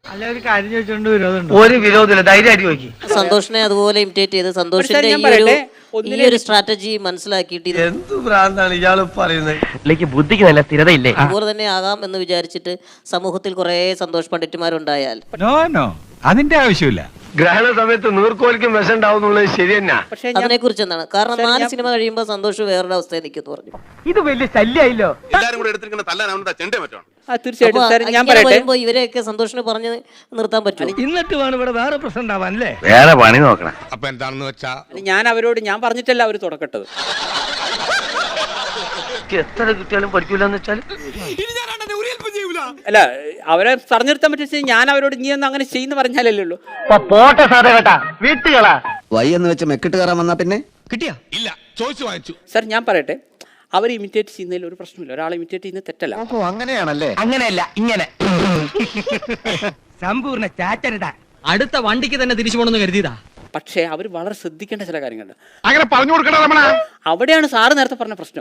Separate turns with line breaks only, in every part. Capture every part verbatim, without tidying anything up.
അല്ല ഒരു കാര്യം ചോദിച്ചോണ്ട് വിരോധമുണ്ട്.
ഒരു വിരോധമില്ല, ധൈര്യമായിട്ട് ചോദിക്കും.
സന്തോഷിനെ അതുപോലെ ഇമിറ്റേറ്റ് ചെയ്ത് സന്തോഷിന്റെ ഈ ഒരു ഈ ഒരു സ്ട്രാറ്റജി മനസ്സിലാക്കിയിട്ട്
എന്ത് ഭ്രാന്താണ് ഇയാള് പറയുന്നത്?
ബുദ്ധിക്ക് നല്ല സ്ഥിരതയില്ലേ?
അതുപോലെ തന്നെ ആകാം എന്ന് വിചാരിച്ചിട്ട് സമൂഹത്തിൽ കുറെ സന്തോഷ് പണ്ഡിറ്റുമാരുണ്ടായാൽ
നോ നോ അതിന്റെ ആവശ്യമില്ല.
ഗ്രഹണ സമയത്ത് നീർക്കോലിക്കും വിഷം ഉണ്ടാവും എന്നുള്ളത് ശരി തന്നെ.
അതിനെ കുറിച്ച് എന്താണ്? കാരണം നാല് സിനിമ കഴിയുമ്പോൾ സന്തോഷ് വേറൊരു അവസ്ഥയിൽ നിൽക്കുന്നു പറഞ്ഞു.
ഇത് വലിയ ശല്യായില്ലോ.
എല്ലാരും കൂടെ എടുത്തിരിക്കുന്ന തല്ലാൻ ചെണ്ടേ പറ്റണം.
വരുമ്പോ ഇവരെയൊക്കെ സന്തോഷിന് പറഞ്ഞ് നിർത്താൻ പറ്റും.
എന്നിട്ട് വേണം ഇവിടെ വേറെ പ്രശ്നം ഉണ്ടാവാൻ അല്ലേ?
വേറെ പണി നോക്കണം.
അപ്പൊ എന്താണെന്ന് വെച്ചാ
ഞാൻ അവരോട് ഞാൻ പറഞ്ഞിട്ടല്ല അവര് തുടക്കട്ടത്.
എത്ര കിട്ടിയാലും പഠിക്കൂലെന്ന് വെച്ചാൽ
അല്ല അവരെ പറഞ്ഞു നിർത്താൻ പറ്റിയ ഞാൻ അവരോട് നീ ഒന്ന് അങ്ങനെ ചെയ്യുന്ന പറഞ്ഞാലല്ലേ ഉള്ളൂ.
പോട്ടെ സാറേ കേട്ടാ, വീട്ടുകളാ
വൈ എന്ന് വെച്ച് മെക്കിട്ട് കയറാൻ വന്നാ പിന്നെ
കിട്ടിയാ ഇല്ല ചോദിച്ചു വാങ്ങിച്ചു.
സാർ ഞാൻ പറയട്ടെ, അവർ ഇമിറ്റേറ്റ് ചെയ്യുന്നതിൽ ഒരു പ്രശ്നമില്ല. ഒരാളെ ഇമിറ്റേറ്റ് ചെയ്യുന്നത് തെറ്റല്ല.
ഓ അങ്ങനെയാണല്ലേ?
അങ്ങനെയല്ല, ഇങ്ങനെ സമ്പൂർണ്ണ ചാറ്റരുതാ. അടുത്ത വണ്ടിക്ക് തന്നെ തിരിച്ചു പോണെന്ന് കരുതിയതാ.
പക്ഷേ അവർ വളരെ ശ്രദ്ധിക്കേണ്ട ചില കാര്യങ്ങളുണ്ട്.
അങ്ങനെ പറഞ്ഞു കൊടുക്കണ രമണ.
അവിടെയാണ് സാറ് നേരത്തെ പറഞ്ഞ പ്രശ്നം.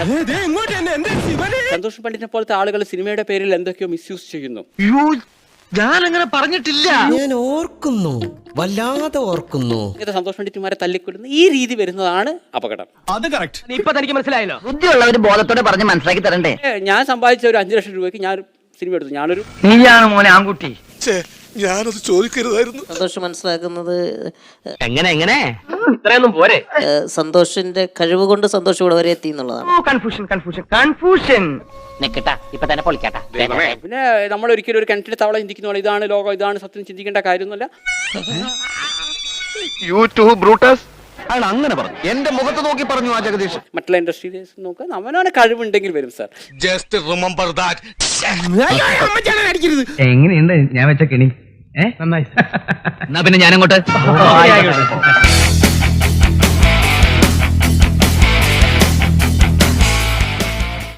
സന്തോഷ് പണ്ഡിറ്റിനെ പോലത്തെ ആളുകൾ സിനിമയുടെ പേരിൽ എന്തൊക്കെയോ മിസ്യൂസ് ചെയ്യുന്നു.
ഞാൻ അങ്ങനെ പറഞ്ഞിട്ടില്ല.
ഞാൻ ഓർക്കുന്നു, വല്ലാതെ ഓർക്കുന്നു.
ഇത് സന്തോഷ് പണ്ഡിറ്റുമാരെ തല്ലിക്കൊല്ലുന്ന ഈ രീതി വരുന്നതാണ് അപകടം.
അത് കറക്റ്റ്.
ഇപ്പൊ തനിക്ക് മനസ്സിലായല്ലോ. ബുദ്ധിയുള്ളവര് ബോധത്തോടെ പറഞ്ഞ് മനസ്സിലാക്കി തരണ്ടേ?
ഞാൻ സമ്പാദിച്ച ഒരു അഞ്ചു ലക്ഷം രൂപയ്ക്ക് ഞാൻ സിനിമ എടുത്തു. ഞാനൊരു
നീയാണ് മോനെ ആൺകുട്ടി.
ഞാനത് ചോദിക്കരുതായിരുന്നു.
സന്തോഷ് മനസ്സിലാക്കുന്നത്
എങ്ങനെ എങ്ങനെ ഇത്രയൊന്നും പോരെ.
സന്തോഷിന്റെ കഴിവ് കൊണ്ട് സന്തോഷം ഇവിടെ വരെ എത്തി എന്നുള്ളതാണ്.
കൺഫ്യൂഷൻ കൺഫ്യൂഷൻ കൺഫ്യൂഷൻ നിക്കട്ടാ, ഇപ്പൊ തന്നെ പൊളിക്കാട്ടാ.
പിന്നെ നമ്മൾ ഒരിക്കലും ഒരു കിണറ്റിലെ തവള ചിന്തിക്കുന്ന പോലെ ഇതാണ് ലോകം, ഇതാണ് സത്യം ചിന്തിക്കേണ്ട കാര്യമൊന്നുമല്ല.
യൂട്യൂബ് ബ്രൂട്ടസ്
അയാൾ അങ്ങനെ പറഞ്ഞു, എന്റെ മുഖത്ത് നോക്കി പറഞ്ഞു ആ ജഗദീഷ്.
മറ്റുള്ള ഇൻഡസ്ട്രിയിൽ നോക്കുക, അവനവനെ കഴിവുണ്ടെങ്കിൽ വരും സാർ.
Just remember that.
എങ്ങനെയുണ്ട് ഞാൻ വെച്ച കെണി? ഏ നന്നായി. എന്നാ പിന്നെ ഞാനങ്ങോട്ട്